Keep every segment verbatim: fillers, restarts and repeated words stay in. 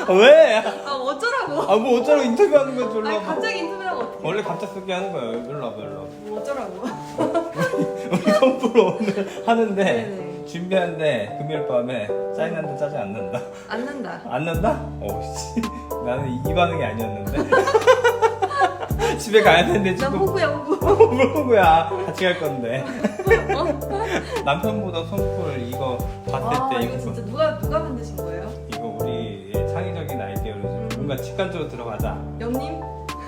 왜? 아 어쩌라고? 아 뭐 어쩌라고 인터뷰하는 거야 졸라. 아니 갑자기 인터뷰하고 어떡해? 원래 갑작스럽게 하는 거야. 일로 와봐 일로 와봐. 뭐 어쩌라고? 우리 선프로 오늘 하는데 네네. 준비하는데 금요일 밤에 짜증난다 짜증 안 난다. 안 난다. 안 난다? 오씨 나는 이 반응이 아니었는데. 집에 가야 되는데 나 지금 호구야 호구. 뭘 거야 같이 갈 건데. 남편보다 손풀 이거 봤을 아 때 이거 진짜 누가 누가 만드신 거예요? 이거 우리 창의적인 아이디어로 좀 뭔가 직관적으로 들어가자 영님?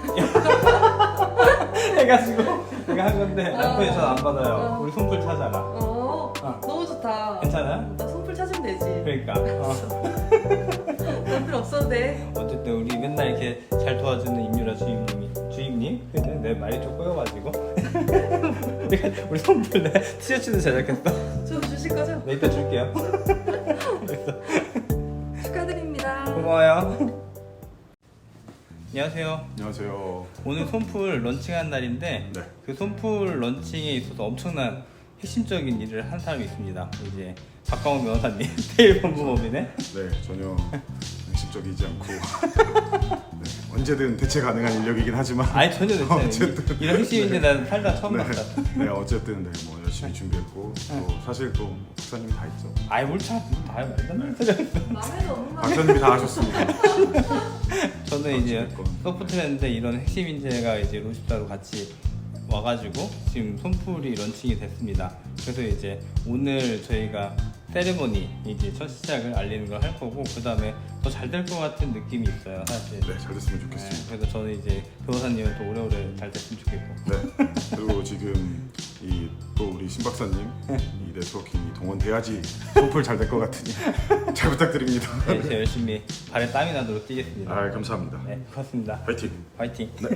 해가지고 내가 한 건데 남편이 어. 전 안 받아요. 어. 우리 손풀 찾아라. 어, 어. 너무 좋다. 괜찮아요? 나 손풀 찾으면 되지. 그러니까 어. 손풀 없어도 돼. 어쨌든 우리 맨날 이렇게 잘 도와주는 임유라 주임님이 주임님? 근데 내 말이 좀 꼬여가지고 우리가 우리 손풀 내 티셔츠도 제작했어. 저 주실 거죠? 네 이따 줄게요. 축하드립니다. 고마워요. 안녕하세요. 안녕하세요. 오늘 손풀 런칭한 날인데 네. 그 손풀 런칭에 있어서 엄청난 핵심적인 일을 한 사람이 있습니다. 이제 박광훈 변호사님, 테일 법무법인의 네, 전혀 핵심적이지 않고 네, 언제든 대체 가능한 인력이긴 하지만 아니 전혀 됐어요. 어쨌든. 이런 핵심인데 난 살다 처음 네, 봤다. 네, 어쨌든 네, 뭐 열심히 준비했고 또 사실 또 박사님이 다 했죠. 아이 뭘참 다 말도 안 되는 소리. 마음에도 없는 말. 박사님이 다 하셨습니다. 저는 이제 어쨌건. 소프트랜드 이런 핵심 인재가 이제 로시타로 같이 와가지고 지금 손풀이 런칭이 됐습니다. 그래서 이제 오늘 저희가 세레머니 이제 첫 시작을 알리는 걸 할 거고 그 다음에 더 잘 될 것 같은 느낌이 있어요 사실. 네, 잘 됐으면 네, 좋겠습니다. 그래서 저는 이제 변호사님은 또 오래오래 잘 됐으면 좋겠고. 네, 그리고 지금 이 또 우리 신 박사님 이 네트워킹이 동원돼야지 손풀 잘 될 것 같으니 잘 부탁드립니다. 네, 제가 열심히 발에 땀이 나도록 뛰겠습니다. 아, 감사합니다. 네, 고맙습니다. 파이팅. 화이팅. 네.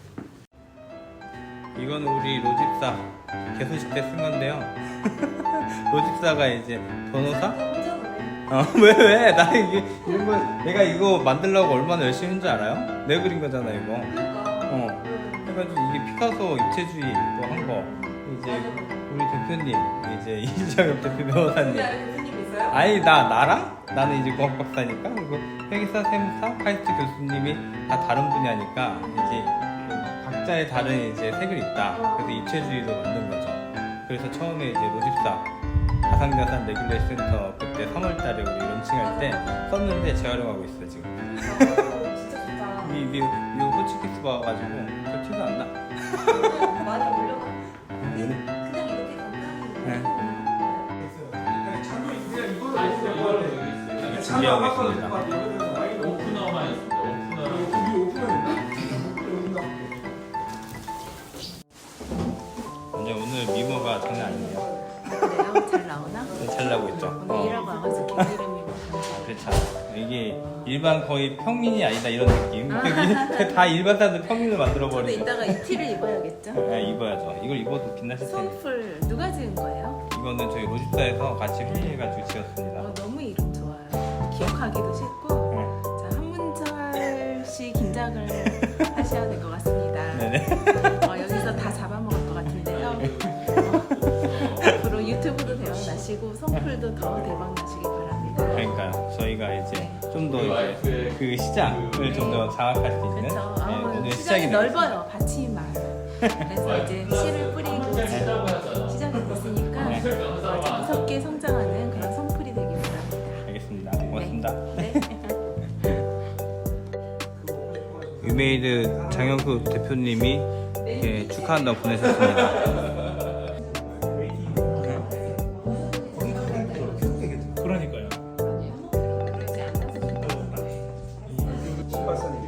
이건 우리 로집사 개소식 때 쓴 건데요. 로집사가 이제 변호사? 혼자 노네. 어, 왜, 왜? 나 이게, 이런 거, 내가 이거 만들려고 얼마나 열심히 했는 줄 알아요? 내가 그린 거잖아, 이거. 어. 해가지고 이게 피카소 입체주의 또 한 거. 이제 우리 대표님, 이제 이정엽 대표 변호사님. 대표님 있어요? 아니, 나, 나랑? 나는 이제 공학 박사니까. 그리고 회계사, 세무사, 카이스트 교수님이 다 다른 분야니까, 이제 각자의 다른 이제 색을 있다. 그래서 입체주의로 만든 거죠. 그래서 처음에 이제 로집사 가상자산 레귤레이션 센터 그때 삼월 달에 우리 런칭할 때 썼는데 재활용하고 있어요 지금. 오, 진짜 좋다. 이, 이, 이 호치키스 봐가지고 저 티도 안 나. 많이 올려봐. 얘는? 그냥 이렇게 간단히. 네. 준비하고 있습니다. 오프너만 있습니다. 오프너. 완전 오늘 미모가 장난 아니네요. 그래요? 잘 나오나? 잘 나고 있죠. 오늘 일하고 와가지고 길들임이 그렇죠. 이게 일반 거의 평민이 아니다 이런 느낌. 여기 다 일반 사람들 평민을 만들어 근데 버리죠. 이따가 이 티를 입어야겠죠? 네, 입어야죠. 이걸 입어도 빛나실 텐데. 손풀 누가 지은 거예요? 이거는 저희 로집사에서 같이 회의해가지고 지었습니다. 어, 너무 이름 좋아요. 기억하기도 쉽고 네. 자, 한문철 씨 긴장을 하셔야 될 것 같습니다. 네네. 어, 여기서 다 잡아먹을 것 같은데요. 어, 앞으로 유튜브도 대박나시고 손풀도 더 대박나시기 바랍니다. 그러니까요. 저희가 이제 좀 더 이제 그 시장을 좀 더 장악할 수 있는 그렇죠. 네, 아, 오늘 시장이 시작이 넓어요. 받침 마을. 그래서 이제 씨를 뿌리고 지금 시작이 됐으니까 네. 어, 무섭게 성장하는 그런 손풀이 되길 바랍니다. 알겠습니다. 고맙습니다. 네. 유메이드 장영수 대표님이 이렇게 축하한다고 보내셨습니다. 그러니까요.